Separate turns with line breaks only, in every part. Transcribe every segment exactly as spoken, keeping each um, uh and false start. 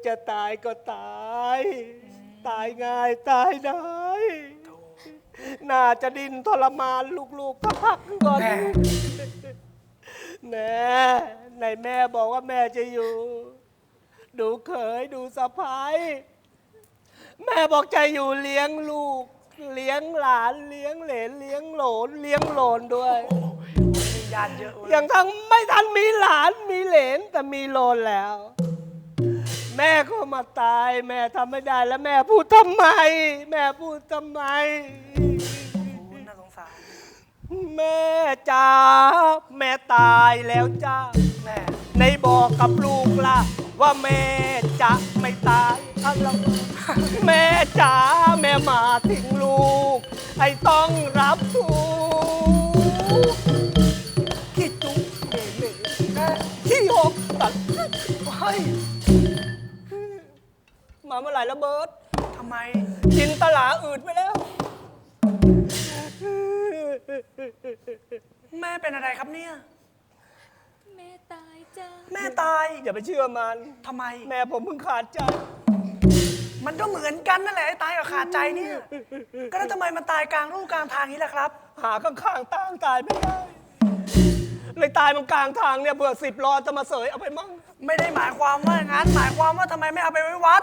จะตายก็ตาย ตายง่ายตายได้น่าจะดิ้นทรมานลูกๆก็พักก่อนแม่ไหนแม่บอกว่าแม่จะอยู่ดูเขยดูสะพ้ายแม่บอกจะอยู่เลี้ยงลูกเลี้ยงหลานเลี้ยงเหลนเลี้ยงโหลนเลี้ยงโหลนด้วย
ญาติเยอะ
อย่างทั้งไม่ทันมีหลานมีเหลนแต่มีโหลนแล้วแม่ก็มาตายแม่ทำไม่ได้แล้วแม่พูดทำไมแม่พูดทำไม
น่าสงสาร
แม่จ๋าแม่ตายแล้วจ้า
แม่
ในบอกกับลูกล่ะว่าแม่จะไม่ตายอะไรแม่จ๋าแม่มาถึงลูกไอ้ต้องรับทุกขี้จุ๊กเมเมขี้หกตัดเฮ้ยมาเมื่อไหร่ละเบิร์ต
ทำไม
กินตลาอืดไปแล้ว
แม่เป็นอะไรครับเนี่ย
แม่ตายจ้า
แม่ตาย
อย่าไปเชื่อมัน
ทำไม
แม่ผมเพิ่งขาดใจ
มันก็เหมือนกันนั่นแหละตายกับขาดใจเนี่ยก็แล้วทำไมมันตายกลางรูกลางทางนี้ล่ะครับ
หาข้างๆตั้งตายไม่ได้เลยตายมันกลางทางเนี่ยเบื่อสิบล้อจะมาเสยเอาไปมั่ง
ไม่ได้หมายความว่างั้นหมายความว่าทำไมไม่เอาไปไว้วัด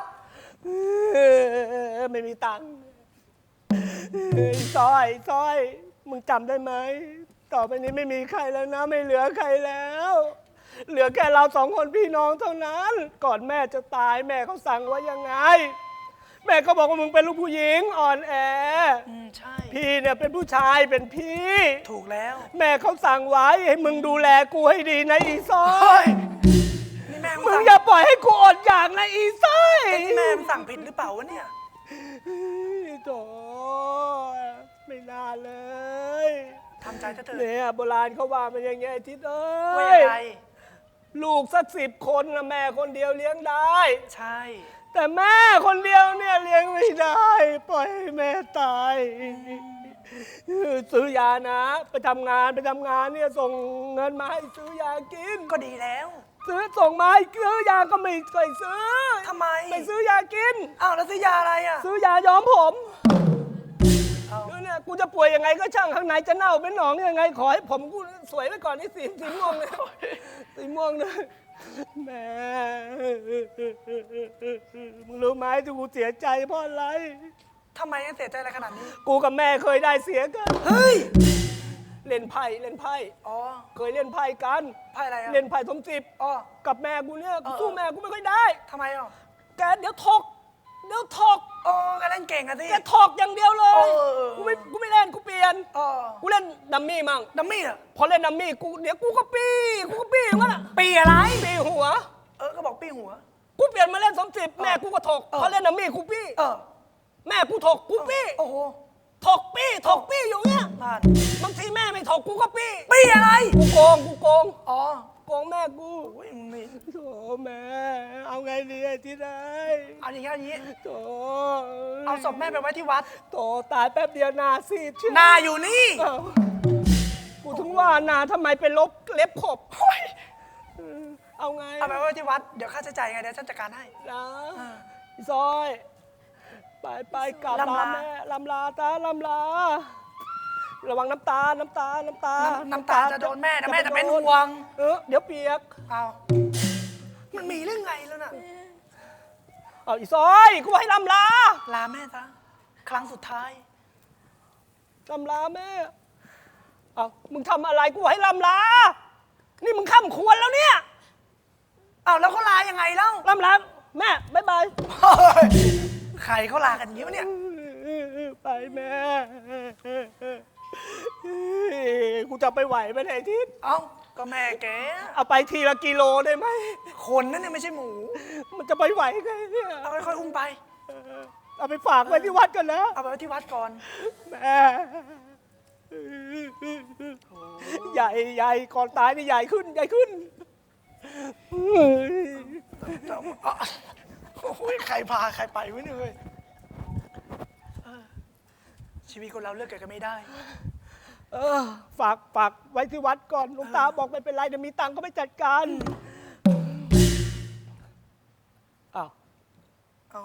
ไม่มีตังค์ซอยซอยมึงจำได้ไหมต่อไปนี้ไม่มีใครแล้วนะไม่เหลือใครแล้ว เหลือแค่เราสองคนพี่น้องเท่านั้นก่อนแม่จะตายแม่เขาสั่งว่ายังไงแม่ก็บอกว่ามึงเป็นลูกผู้หญิงอ่อนแอ
อืมใช่
พี่เนี่ยเป็นผู้ชายเป็นพี่
ถูกแล้ว
แม่เขาสั่งไว้ให้มึงดูแลกูให้ดีนะอีซ้อย
นี่แม่
มึงอย่าปล่อยให้กูอดอยากนะอีซ้อย
นี่แม่สั่งผิดหรือเปล่าวะเนี่ย
โธ่ไม่น่าเลย
ทำใจเถอะ
เนี่ยโบราณเขาว่ามันอย่างเงี้ยทิศเอ้
ยว่ายังไง
ลูกสักสิบคนนะแม่คนเดียวเลี้ยงได้
ใช่
แต่แม่คนเดียวเนี่ยเลี้ยงไม่ได้ปล่อยให้แม่ตายซื้อยานะไปทำงานไปทำงานเนี่ยส่งเงินมาให้ซื้อยากิน
ก็ดีแล้ว
ซื้อส่งมาให้ซื้อยาก็ไม่เคยซื้อ
ทำไม
ไม่ซื้อยากิน
อ้าวแล้วซื้อยาอะไรอ่ะ
ซื้อยาย้อมผมเนี่ยกูจะป่วยยังไงก็ช่างข้างในจะเน่าเป็นหนองยังไงขอให้ผมกูสวยไว้ก่อนนี่สีสีม่วงเลยสีม่วงเลยแม่มึงรู้ไหมที่กูเสียใจเพราะอะไร
ทำไมเสียใจอะไรขนาดนี้
กูกับแม่เคยได้เสียกัน
เฮ้ย
เล่นไพ่เล่นไพ่
อ๋อ
เคยเล่นไพ่กัน
ไพ่อะไรอ่ะ
เล่นไพ่สมจิบ
อ๋อ
กับแม่กูเนี่ยกูสู้แม่กูไม่ค่อยได้
ทำไมอ่ะ
แกเดี๋ยวถกเดี๋ยวถก
อ๋อแกเล่นเก่งอะสิ
แกถกอย่างเดียวเลยกูไม่กูไม่เล่นกูเปลี่ยนกูเล่นดัมมี่มั่ง
ดัมมี่อ่ะ
พอเล่นดัมมี่กูเดี๋ยวกูก็ปี้กูก็ปี้อย่างนั้นอ่ะ
ปี้อะไร
ปี้หัว
เออก็บอกปี้หัว
กูเปลี่ยนมาเล่นสมจิบแม่กูก็ถกพอเล่นดัมมี่กูปี้แม่กูถกกูปี้
โอ้โห
ถกปี้ถกปี้อยู่เนี้ยบางทีแม่ไม่ถกกูก็ปี้
ปี้อะไร
กูโกงกูโกง
อ๋อ
โกงแม่กู
โอ้ยมึงนี่
โธ่แม่เอาไงดีไอ้ที่ไหน
เอาอย่างงี้เอาอย่างงี้
โธ่
เอาศพแม่ไปไว้ที่วัด
โธ่ตายแป๊บเดียวนาซีด
หน้าอยู่นี่
กูถึงว่านาทำไมไปลบเล็บขบเอาไง
เอาไปไว้ที่วัดเดี๋ยวค่าใช้จ่ายไงเดี๋ยวฉันจัดการให้
นะซอยไปไปกลับลาแม่ลำลาตาลำลาระวังน้ำตาน้ำตาน้ำตา
น้ำตาจะโดนแม่นะแม่จะเป็นห่วง
เออเดี๋ยวเปียก
เอามันมีเรื่องไงแล้วน่ะ
เอาอีซอยกูให้ลำลา
ลาแม่ซะครั้งสุดท้าย
ลำลาแม่เอามึงทำอะไรกูให้ลำลานี่มึงข้ามควรแล้วเนี่ย
เอาแล้วเขาลายังไงเล่า
ลำลาแม่บ๊ายบาย
ใครเขาลากันอย่างนี้วะเนี่ย
ไปแม่กูจะไปไหวไหมไอ้ทิศ
เอ้าก็แม่แก
เอาไปทีละกิโลได้ไหม
คนนั่นเนี่ยไม่ใช่หมู
มันจะไปไหวไงเนี่ย
เอาค่อยๆอุ้มไป
เอาไปฝากไว้ที่วัดกันนะ
เอาไปไว้ที่วัดก่อน
แม่ใหญ่ใหญ่ก่อนตายนี่ใหญ่ขึ้นใหญ่ขึ้น
โอ้ยใครพาใครไปวะเนี่ยเว้ยชีวิตคนเราเลือกเกิดกันไม่ได้
เออฝากฝากไว้ที่วัดก่อนหลวงตาบอกไม่เป็นไรเดี๋ยวมีตังค์ก็ไปจัดการอ้าว
เอา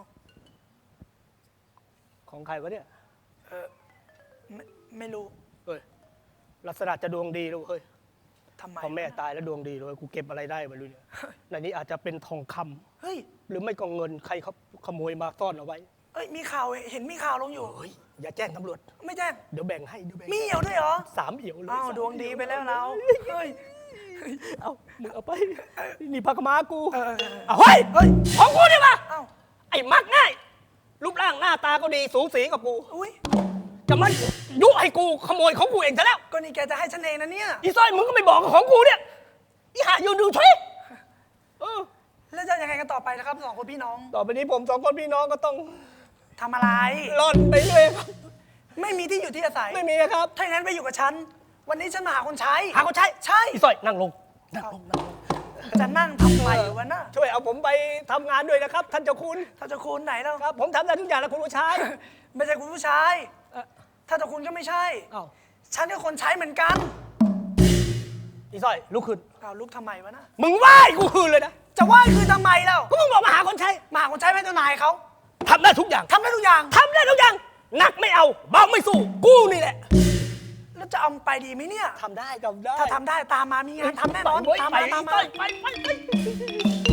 ของใครวะเนี่ย
เออไม่ไม่รู้
เฮ้ยลักษณะจะดวงดีเลยเฮ้ย
ทำไม
พอแม่ตายแล้วดวงดีเลยกูเก็บอะไรได้ไม่รู้เนี่ยในนี้อาจจะเป็นทองคำ
เฮ้ย
หรือไม่ก็เงินใครเขาขโมยมาซ่อนเอาไว้
เอ้ยมีข่าวเห็นมีข่าวลงอยู่
เฮ้ยอย่าแจ้งตำรวจ
ไม่แจ้ง
เดี๋ยวแบ่งให้เดี๋ยวแบ่ง
มีเหี่ยวด้วยเหรอ
สามเอี่ยวเลย
อ้าว
สาม
ดวงดีไปแล้วเราเฮ้ย
เอามึงเอาไปนี่พักมากู
เออเออเออ
เอาเฮ้ยเฮ้ยของกูดิมา
เอ้า
ไอ้มักง่ายรูปร่างหน้าตาก็ดีสูสีกับกู
อุ้ย
จะมันยุให้กูขโมยของกูเองซะแล้ว
ก็นี่แกจะให้ฉันเองนะเนี่ย
อีสร้อยมึงก็ไม่บอกของกูเนี่ยอีหาอยู่ดูช่วยเออ
แล้วจะยังไงกันต่อไปนะครับสองคนพี่น้อง
ต่อไปนี้ผมสองคนพี่น้องก็ต้อง
ทำอะไร
ร่อนไปเรื่อยครับ
ไม่มีที่อยู่ที่อาศัย
ไม่มีนะครับ
ถ้าอย่างนั้นไปอยู่กับฉัน วันนี้ฉันมาหาคนใช้
หาคนใช้
ใช่
อีสร้อยนั่งลงนั่งลงนั่งลง
จะนั่งทำไมวะน่ะ
ช่วยเอาผมไปทำงานด้วยนะครับ ท่านเจ้าคุณ
ถ้าจะคุณไหนแล้ว
ครับ ผมทำได้ทุกอย่างแล้วคุณผู้ชาย
ไม่ใช่คุณผู้ชาย
เอ่อ
ถ้าจะคุณก็ไม่ใช่
เอ้า
ฉันก็คนใช้เหมือนกัน
อีสร้อยลุกขึ้น
เอาลุกทำไมวะน่ะ
มึงไหว้กูคืนเลยนะ
จะไหว้คือทำไมแล้ว
ก็มึงบอกมาหาคนใช้
มาหาคนใช้ไม่เจ้านายเขา
ทำได้ทุกอย่าง
ทำได้ทุกอย่าง
ทำได้ทุกอย่างหนักไม่เอาเบาไม่สู้กูนี่แหละ
แล้วจะเอาไปดีไหมเนี่ย
ทำได้ทำได้
ถ้าทำได้ตามมามีงานทำแน่นอน
ไป
ตาม
ไป
มาตาม
ไป
มา
ไปไปไป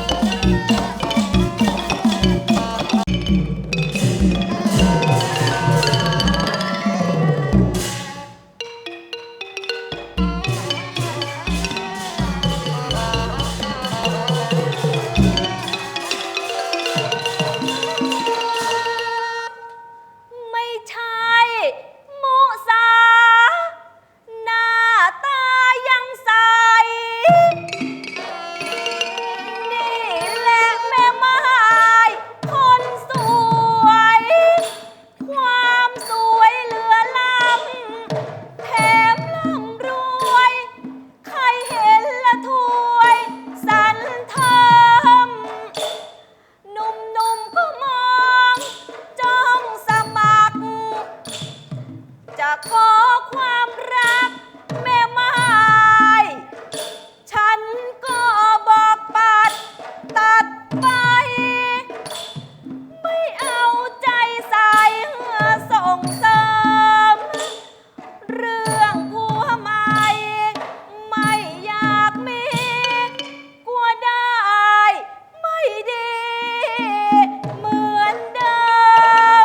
ไม่ใช่มุสา หน้าตายังใส นี่แหละแม่ไม้คนสวย ความสวยเหลือล้ำแถมร่ำรวย ใครเห็นละถวยสันเทิม หนุ่มๆก็มองจ้องสมัคร จะขอความรักแม่ไม้ฉันก็บอกปัดตัดไป ไม่เอาใจใส่ส่งเสริม เรื่องผัวใหม่ ไม่อยากมี กลัวได้ ไม่ดี เหมือนเดิม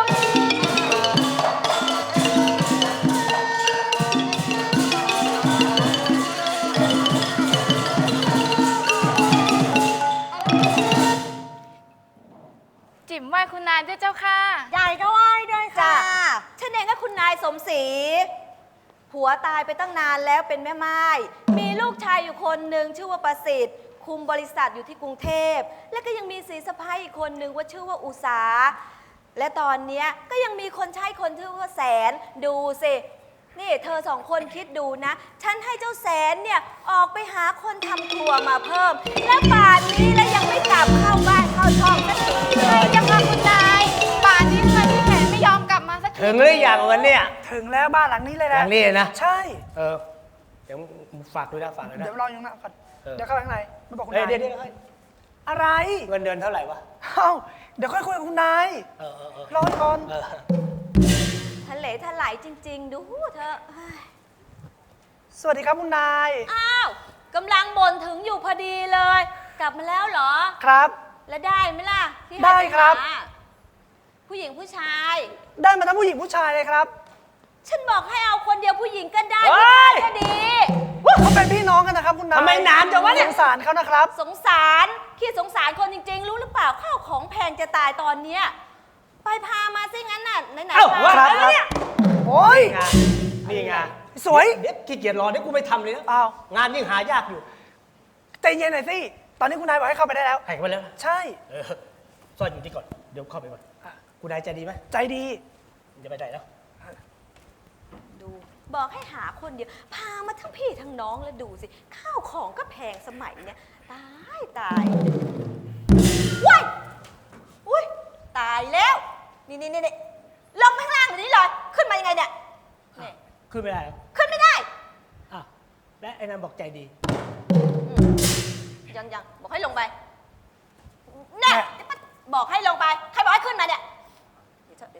จิ๋มไหว้คุณนายด้วยเจ้าค่ะ
ใหญ่ก็ไหว้ด้วยค่ะฉันเองก็คุณนายสมศรีผัวตายไปตั้งนานแล้วเป็นแม่ไม้มีลูกชายอยู่คนหนึ่งชื่อว่าประสิทธิ์ คุมบริษัทอยู่ที่กรุงเทพ และก็ยังมีสีสะพ้ายอีกคนหนึ่งว่าชื่อว่าอุสา และตอนเนี้ยก็ยังมีคนใช้คนชื่อว่าแสนดูสินี่เธอสองคนคิดดูนะ ฉันให้เจ้าแสนเนี่ยออกไปหาคนทำครัวมาเพิ่ม และป่านนี้แล้วยังไม่กลับเข้าบ้านเข้าช่องสักทีเลย
ยังค่ะคุณนายป่านนี้ค่ะพี่แผนไม่ยอมกลับมาสักที
ถึงหรือยังวันเนี้ย
ถึงแล้วบ้านหลังนี้เลย
หลั
นะ
งนี้นะ
ใช่
เออเดี๋ยวฝากด้วยนะฝากด้วยนะ
เดี๋ยวรออยู่ข้างหน้าก่อน
เออ
เดี๋ยวเข้าไปข้างในไม่บอกคุณ
เฮ้ย
นาย
เดี๋ยวเดี๋ยวเฮ้ย
อะไร
เงินเดือนเท่าไหร่วะ
เอ้าเดี๋ยวค่อยคุยกับคุณนาย
เออเออเออ
รอก่อน
เออ
ทะเลทลายจริง ๆ ดูเธอะเฮ้ย
สวัสดีครับคุณนาย
อ้าวกำลังบ่นถึงอยู่พอดีเลย กลับมาแล้วเหรอ
ครับ
แล้วได้ไหมล่ะที่ให้
ได้
ไป
ครับ
หาผู้หญิงผู้ชาย
ได้มาทั้งผู้หญิงผู้ชายเลยครับ
ฉันบอกให้เอาคนเดียวผู้หญิงก็ได้
เฮ้
ผู้ชาย
ย
ก็ดี
เขาเป็นพี่น้องกันนะครับคุณนาย
ทำไมนานจังวะเนี่ย
สงสารเขานะครับ
สงสารขี้สงสารคนจริง ๆ รู้หรือเปล่าข้าวของแพงจะตายตอนเนี้ยไปพามาซิงั้นน่ะไหน
เอ้า
ๆ
ว่า
พา
แล้วเนี่ย
โอ้ย
นี่ไง
สวย
เดี๋ยวขี้เกียจรอเดี๋ยวกูไปทำเลยนะ
อ้าว
งานยิ่งหายากอยู่
ใจเย็นหน่อยสิ ตอนนี้คุณนายบอกให้เข้าไปได้แล้ว
ให้ไปแล้วนะ
ใช่
เออซ่อนอยู่ที่ก่อน เดี๋ยวเข้าไปก่อนกูได้ใจดีไหม
ใจดี
มึงจะไปไหนแล้ว
ดูบอกให้หาคนเดียว พามาทั้งพี่ทั้งน้องแล้วดูสิข้าวของก็แพงสมัยเนี้ยตายตายว้ายอุ้ยตายแล้ว นี่นี่นี่ลงไปข้างล่างเดี๋ยวนี้เลยขึ้นมายังไงเนี่ยนี่
ขึ้นไม่ได้เหรอ
ขึ้นไม่ได้
อ่ะและไอ้นั่นบอกใจดี
ยังยังบอกให้ลงไปแน่บอกให้ลงไป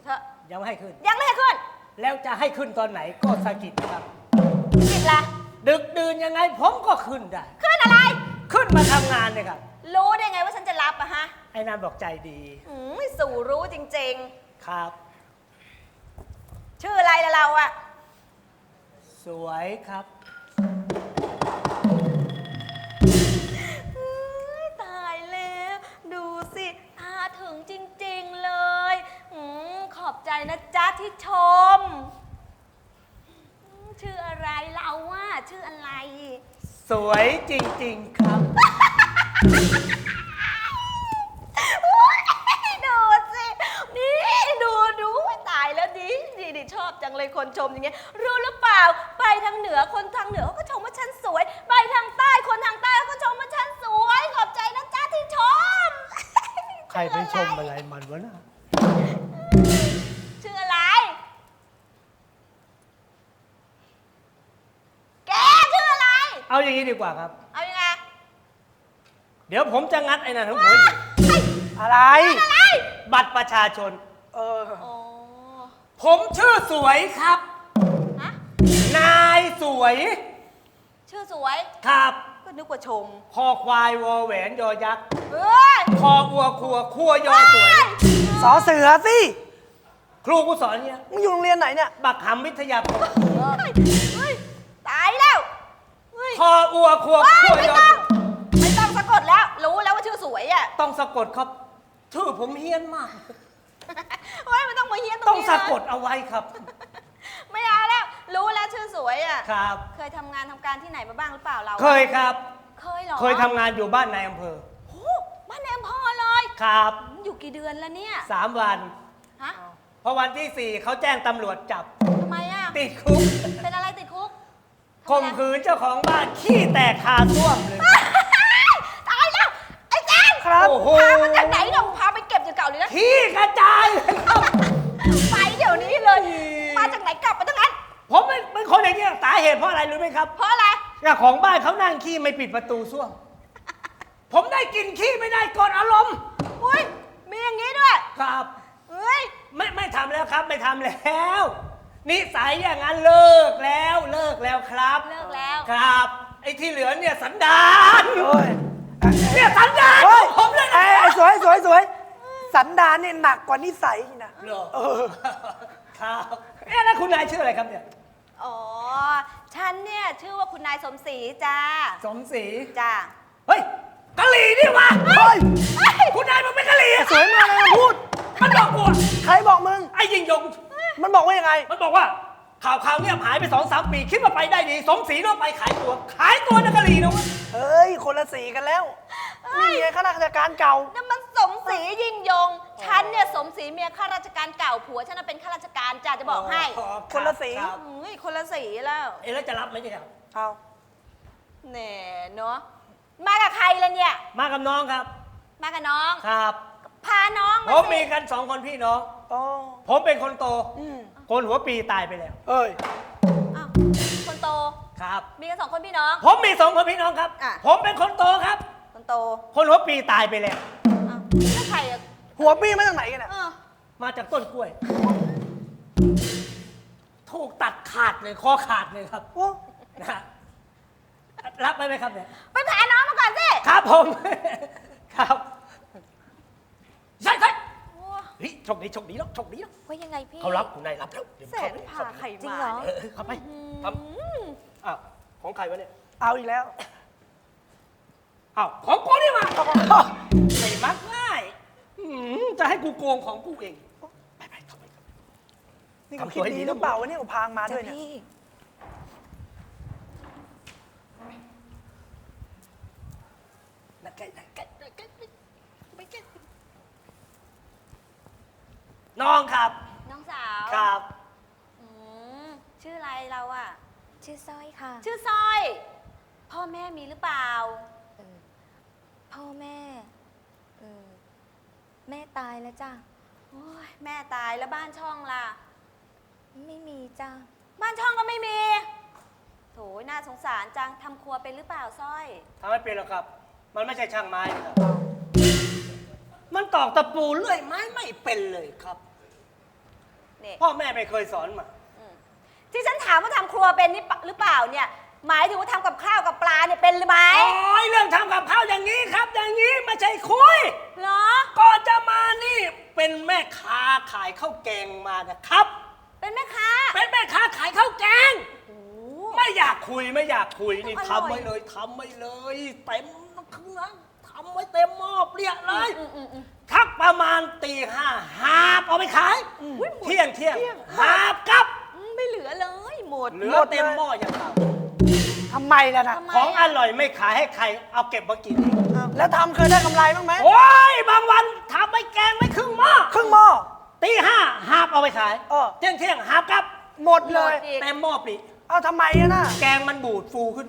เถอะ
ยังไม่ให้ขึ้น
ยังไม่ให้ขึ้น
แล้วจะให้ขึ้นตอนไหนก็สะกิดครับ
ผิดละ
ดึกดื่นยังไงผมก็ขึ้นได้
ขึ้นอะไร
ขึ้นมาทำงานเนี่ยครับ
รู้ได้ไงว่าฉันจะรับอะฮะ
ไอ้นานบอกใจดี
อืมสู่รู้จริง
ครับ
ๆ ชื่ออะไรละเราอะ
สวยครับ
เฮ้ยตายแล้ว ดูสิตาถึงจริง ๆ เลย อืมขอบใจนะจ๊ะที่ชมอืมชื่ออะไรเราอะชื่ออะไร
สวยจริง ๆ ครับ
ดูสิ นี่ดูดูตายแล้วดิดีดิชอบจังเลยคนชมอย่างเงี้ย รู้หรือเปล่า ไปทางเหนือคนทางเหนือเขาก็ชมว่าฉันสวย ไปทางใต้คนทางใต้เขาก็ชมว่าฉันสวย ขอบใจนะจ๊ะที่ชม
ใครไปชมอะไรมันวะน่ะ
ชื่ออะไร แกชื่ออะไร
เอาอย่างนี้ดีกว่าครับ
เอายังไง
เดี๋ยวผมจะงัดไอ้นั่นทั้งหมด
อะไร
อะไร
บัตรประชาชน
เออ
โอ้
ผมชื่อสวยครับ
ฮะ
นายสวย
ชื่อสวย
ครับ
ก็นึกว่าชม
คอควายวอแหวนยอยักษ์
เอ้ย
คออัวครัวครัวยอสวย
สอเสือสิ
ครูกูสอนเนี่ย
มึงอยู่โรงเรียนไหนเนี่ย
บักหำวิทยาคม
เฮ้ยตายแล้วเฮ้ย
คออัวครัว
เฮ้
ค
ย
รัว
ไม่
ยอ
ต้องไม่ต้องสะกดแล้ว รู้แล้วว่าชื่อสวยอ่ะ
ต้องสะกดครับ ชื่อผมเฮี้ยนมาก
เฮ้ยไม่ต้องมาเฮี้ยนตรง
ต้อง
นี้
สะ
เลย
กดเอาไว้ครับ
ไม่เอาแล้ว รู้แล้วชื่อสวยอ่ะ
ครับ
เคยทำงานทำการที่ไหนมาบ้างหรือเปล่าเราอะ
เคยครับ
เคยเหรอ
เคยทำงานอยู่บ้านนายอำเภอ
โอ้บ้านในอำเภอเลย
ครับ
อยู่กี่เดือนแล้วเนี่ย
สามวัน
ฮะ
พอวันที่สี่เขาแจ้งตำรวจจับ
ทำไมอ่ะ
ติดคุก
เป็นอะไรติดคุก
ข่มขืนเจ้าของบ้านขี้แตกคาส้วมเลย
ตายแล้ว ไอ้แจ๊ค
ครับ
โอ้โห
พามาจากไหนเนี่ยพาไปเก็บอยู่เก่าเลยนะ
ขี้กระจายเลยครับ
ไปเดี๋ยวนี้เลย มาจากไหนกลับมาตั้งนั้น
ผมเป็นเป็นคนอย่างนี้ยสาเหตุเพราะอะไรรู้ไหมครับ
เพราะอะไร
เจ้าของบ้านเขานั่งขี้ไม่ปิดประตูส้วม ผมได้กลินขี้ไม่ได้กดอารมณ์
อุ้ย มีอย่างนี้ด้วย
ครับ
เฮ้ย
ไม่ไม่ทำแล้วครับไม่ทำแล้วนิสัยอย่างนั้นเลิกแล้วเลิกแล้วครับ
เลิกแล้ว
ครับ ไอ้ที่เหลือเนี่ยสันดาน
โอ้ย
เนี่ยสันดาน
เฮ้ย
ผมเลย
ไอ้
นะ
ไอ้สวยสวยสวย สันดานเนี่ยหนักกว่านิสัยอีกนะ
เหรอ
เออ
ครับเอ๊ะแล้วคุณนายชื่ออะไรครับเนี่ย
อ๋อ ฉันเนี่ยชื่อว่าคุณนายสมศรีจ้า
สมศรี
จ้า
เฮ้ยกะหรี่นี่วะ
เฮ้ย
คุณนายมันเป็นกะหรี่
สวยมากเลยพูด
มันบอกกูอะ
ใครบอกมึง
ไอ้ยิงยง
มันบอกว่ายังไง
มันบอกว่าข่าวข่าวเงียบหายไปสองสามปีคิดว่าไปได้ดีสมศรีต้องไปขายตัว ขายตัวนักกะหรี่นะเวะ
เฮ้ย คนละสีกันแล้ว นี่ไงข้าราชการเก่า
นั่นมันสมศรียิ่งยง ฉันเนี่ยสมศรีเมียข้าราชการเก่าผัวฉันน่ะเป็นข้าราชการจ้าจะบอกให้
คนละสี
รับ
เฮ้ย คนละสีแล้ว
เอ๊ะแล้วจะรับไหมเนี่ยครับ
เอา
แหน่เนาะ มากับใครล่ะเนี่ย
มากับน้องครับ
มากับน้อง
ครับ
พาน้อง
ผม
าม สิ
มีกันสองคนพี่น้อง
โอ้
ผมเป็นคนโต
อืม
คนหัวปีตายไปแล้ว
เอ้ย
อ้าวคนโต
ครับ
มีกันสองคนพี่น้อง
ผมมีสองคนพี่น้องครับ
อ่ะ
ผมเป็นคนโตครับ
คนโต
คนหัวปีตายไปแล้ว
อ้าวแล้วใครอ่ะ
หัวปี้มาจากไหนกันเนี่ย
เออ
มาจากต้นกล้วย ถูกตัดขาดเลยคอขาดเลยครับ
โอ้
นะฮะรับไหมไหมครับเนี่ย
ไปพาน้องมาก่อนสิ
ครับผม ครับใช่ใช่
โอ้
เฮ้ยโชคดีโชคดีแล้วโชคดีแล้ว
ว่ายังไงพี่
เขารับคุณนายรับแล้วเดี๋ยว
แส
เข้าน ไป
พาใคร
จริง
มา
เหรอ
เออเออเข้าไปทำอ้าวของใครวะเนี่ย
เอาอีกแล้ว
อ้าวของกูนี่มาไม่มักง่ายอืมจะให้กูโกงของกูเองไปไปเข้าไปเข้าไป
นี่กูคิดดีหรือเปล่าวะเนี่ยกูพางมาด้วยเนี่ย
พี่
นะใกล้ใกล้ใกล้ใกล้ใกล้ไปใกล้น้องครับ
น้องสาว
ครับ
อืมชื่ออะไรเราอ่ะ
ชื่อสร้อยค่ะ
ชื่อสร้อย พ่อแม่มีหรือเปล่า
เออพ่อแม่เออแม่ตายแล้วจ้ะ
โอ้ยแม่ตายแล้วบ้านช่องล่ะ
ไม่มีจ้ะ
บ้านช่องก็ไม่มี โถยน่าสงสารจังทำครัวเป็นหรือเปล่าสร้อย
ทำไม่เป็นหรอกครับ มันไม่ใช่ช่างไม้ครับ มันตอกตะปูเลื่อยไม้ไม่เป็นเลยครับ
นี่
พ่อแม่ไม่เคยสอนมา
ที่ฉันถามว่าทำครัวเป็นนี่ปะหรือเปล่าเนี่ย หมายถึงว่าทำกับข้าวกับปลาเนี่ยเป็นหรือไม่
โอ้ยเรื่องทำกับข้าวอย่างนี้ครับ อย่างนี้ไม่ใช่คุย
เหรอ
ก่อนจะมานี่เป็นแม่ค้าขายข้าวแกงมานะครับ
เป็นแม่ค้า
เป็นแม่ค้าขายข้าวแกง
โอ้
ไม่อยากคุยไม่อยากคุยนี่
อร่อย
ทำไว้เลยทำไว้เลยเต็มเครื่องทำไว้เต็มหม้อเปรี้ยเลย
อืมอืมอืม
ทักประมาณตีห้าหาบเอาไปขาย เที่ยงเที่ยงหาบกลับ
อืมไม่เหลือเลยหมด
เหลือเต็มหม้ออย่างเก่า
ทำไมล่ะนะ
ทำไม
ของอร่อยไม่ขายให้ใครเอาเก็บมากินเอง
แล้วทำเคยได้กำไรบ้างไหม
โอ้ยบางวันทำไปแกงไม่ครึ่งหม้อ
ครึ่งหม้อ
ตีห้าหาบเอาไปขาย
เออ
เที่ยงเที่ยงหาบกลับ
หมดเลย
หมดอีก
เต็มหม้อปลี
เอาทำไมอะน่ะ
แกงมันบูดฟูขึ้นมา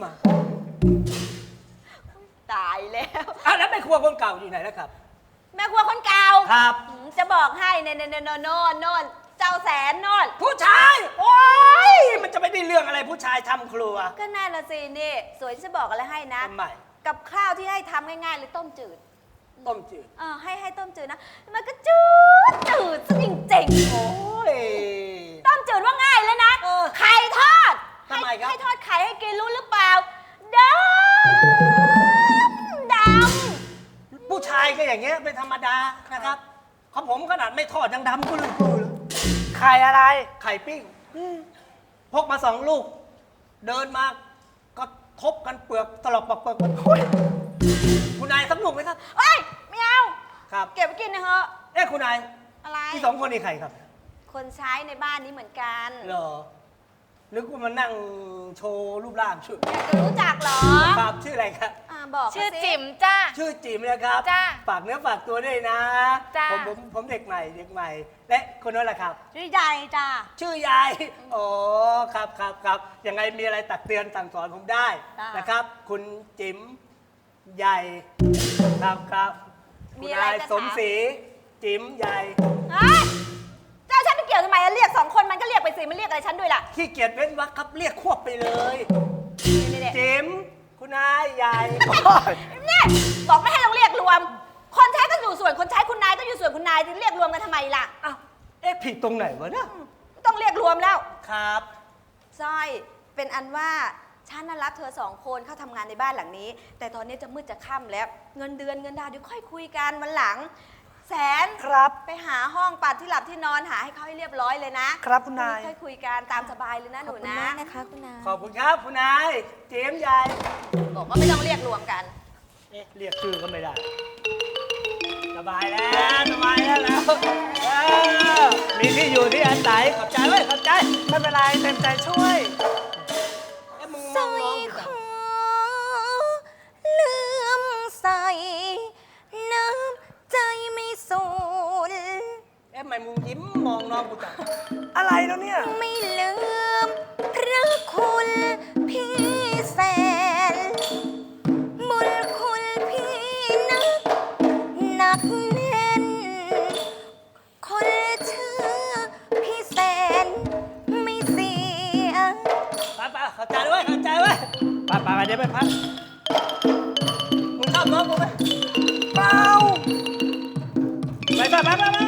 ตายแล้ว
อ่ะแล้วแม่ครัวคนเก่าอยู่ไหนแล้วครับ
แม่ครัวคนเก่า
ครับ
อืมจะบอกให้เนนเนนโนนโน่นโน่นเจ้าแสนโน่น
ผู้ชาย โอ้ยมันจะไม่ได้เรื่องอะไรผู้ชายทำครัว
ก็น่าละสินี่สวยจะบอกอะไรให้นะ
ทำไม
กับข้าวที่ให้ทำง่ายๆเลยต้มจืด
ต้มจืด
เออให้ให้ต้มจืดนะ มันก็จืดจืดซะจริง
โอ้ย
ๆต้มจืดว่าง่ายเลยนะ
เออ
ไข่ทอด
ทำไมครับ
ให้ทอดไข่ให้กินรู้หรือเปล่าดำดำ
ผู้ชายก็อย่างเงี้ยเป็นธรรมดานะครับของผมขนาดไม่ทอดยังดำกุลือกุล
ใครอะไร
ไข่ปิ้งพกมาสองลูก เดินมาก็ทบกันเปลือกตลบปอกเปลือกคุณนายสักลูกไหมครับ
เอ้ยไม่เอา
ครับ
เก็บไว้กินนะเถอะ
เอ๊ะคุณนาย
อะไร
ที่สองคนนี่ใครครับ
คนใช้ในบ้านนี้เหมือนกัน
เหรอนึกว่ามานั่งโชว์รูปร่างชื่อ
อยากจะรู้จักเหรอ
ครับชื่ออะไรครับ
อ่าบอกมา
ชื่อ
สิ
จิ๋มจ้า
ชื่อจิ๋มนะครับ
จ้า
ฝากเนื้อฝากตัวด้วยนะ
จ้า
ผมผมผมเด็กใหม่เด็กใหม่ และคนนั้นแหละครับ
ชื่อใหญ่จ้า
ชื่อยาย อ๋อ ครับครับครับยังไงมีอะไรตักเตือนสั่งสอนผมได้
ได้
นะครับ คุณจิ๋มใหญ่ ครับครับ
มี
คุณ
อะไร
นาย
จะ
สม
ถาม
ศรีจิ๋มใหญ่
เฮ้ยเจ้าฉันไปเกี่ยวทำไมอะเรียกสองคนมันก็เรียกไปสิมันเรียกอะไรฉันด้วยล่ะ
ขี้เกียจเว้นวรรคครับ เรียกควบไปเลย
นี่นี่
จิ๋มคุณนายใหญ่
นี่บอกไม่ให้ต้องเรียกรวม คนใช้ก็อยู่ส่วนคนใช้คุณนายก็อยู่ส่วนคุณนายจะเรียกรวมกันทำไมล่ะ
อ้าว เอ๊ะผิดตรงไหนวะเนี่ย
ต้องเรียกรวมแล้ว
ครับ
สร้อยเป็นอันว่าฉันน่ะรับเธอสองคนเข้าทำงานในบ้านหลังนี้ แต่ตอนนี้จะมืดจะค่ำแล้ว เงินเดือนเงินดาวเดี๋ยวค่อยคุยกันวันหลัง แสน
ครับ
ไปหาห้องปัดที่หลับที่นอนหาให้เขาให้เรียบร้อยเลยนะครับ
คุณนาย
ค่อยคุยกันตามสบายเลยนะห
ขอบ
นู
คุณ
นะ
มากนะคะคุณนาย
ขอบคุณครับคุณนายจิ๋มใหญ่
บอกว่าไม่ต้องเรียกรวมกัน
เอ๊ะเรียกชื่อก็ไม่ได้ สบายแล้วสบายแล้วแล้วเออมีที่อยู่ที่อาศัยขอบใจไว้ยขอบใจ
ไม่เป็นไรเต็มใจช่วย
เอ๊ะมึงม
ส
อ
ร้
ง
อย
น้อง
คอเลื่อมใส น้ำใจไม่สูญ
เอ๊ะทำไมมึงยิ้มมองน้องกูจัง
อะไรแล้วเนี่ย
ไม่ลืมพระคุณพี่แสน บุญคุณพี่นัก หนักแน่น คนเชื่อพี่แสนไม่เสีย
ไปไปขอบใจไว้ยขอบใจไว้ยไปไปไปเดี๋ยวไปพักมึงชอบน้องกูไหม
เปล่า
ไปไปไปไปไป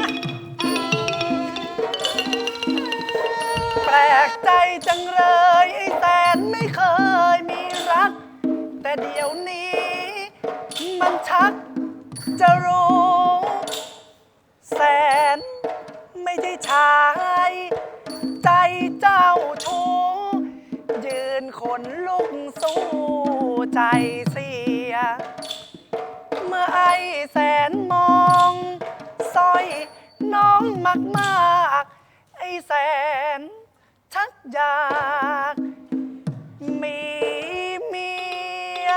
แปลกใจจังเลยไอ้แสนไม่เคยมีรัก แต่เดี๋ยวนี้ มันชักจะรู้ แสนไม่ใช่ชาย ใจเจ้าชู้ยืนขนลุกสู้ใจเสีย เมื่อไอ้แสนมองสร้อยน้องมากมากๆไอ้แสนชักอยากมีเมีย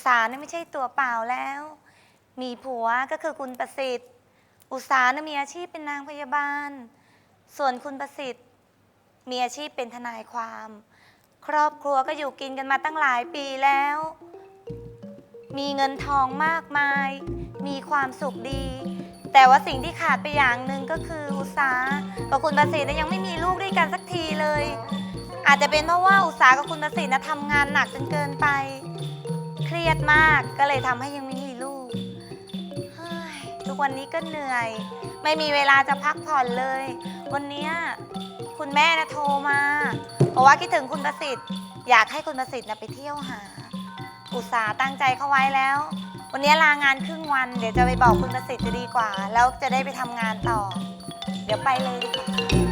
สาเนี่ยไม่ใช่ตัวเปล่าแล้ว มีผัวก็คือคุณประสิทธิ์ อุตสาเนี่ยมีอาชีพเป็นนางพยาบาล ส่วนคุณประสิทธิ์มีอาชีพเป็นทนายความ ครอบครัวก็อยู่กินกันมาตั้งหลายปีแล้ว มีเงินทองมากมาย มีความสุขดี แต่ว่าสิ่งที่ขาดไปอย่างหนึ่งก็คืออุตสากับคุณประสิทธิ์ยังไม่มีลูกด้วยกันสักทีเลย อาจจะเป็นเพราะว่าอุตสากับคุณประสิทธิ์นะทำงานหนักจนเกินไป เครียดมากก็เลยทำให้ยังไม่มีลูกเฮ้ยทุกวันนี้ก็เหนื่อย ไม่มีเวลาจะพักผ่อนเลย วันเนี้ยคุณแม่นะโทรมาเพราะว่าคิดถึงคุณประสิทธิ์อยากให้คุณประสิทธิ์นะไปเที่ยวหา อุตสาห์ตั้งใจเข้าไว้แล้ว วันนี้ลางานครึ่งวันเดี๋ยวจะไปบอกคุณประสิทธิ์จะดีกว่า แล้วจะได้ไปทำงานต่อ เดี๋ยวไปเลยดีกว่า